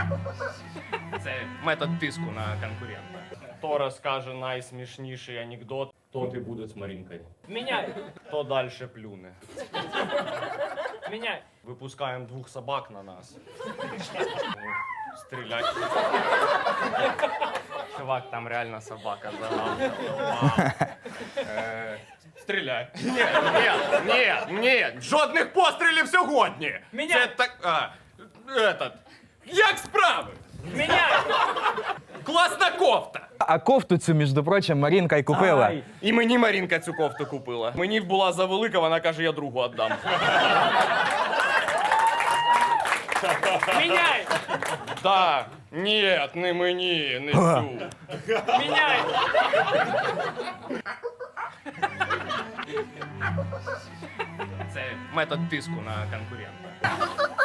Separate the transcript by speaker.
Speaker 1: Це метод тиску на конкурента. Хто розкаже найсмішніший анекдот, тот і буде з Марінкою.
Speaker 2: Меняй!
Speaker 1: Хто далі плюне.
Speaker 2: Меняй!
Speaker 1: Випускаємо 2 собак на нас. Стрілять. Чувак, там реально собака загавкала. Стріляй. Ні, жодних пострілів сьогодні.
Speaker 2: Мене-
Speaker 1: Це так, як справи?
Speaker 2: Меняй!
Speaker 1: Класна кофта.
Speaker 3: А кофту цю, між прочим, Марінка й купила.
Speaker 2: Ай.
Speaker 1: І мені Марінка цю кофту купила. Мені була завелика, вона каже, я другу віддам.
Speaker 2: Меняй!
Speaker 1: Так, ні, не мені, не цю.
Speaker 2: Меняй!
Speaker 1: Це метод тиску на конкурента.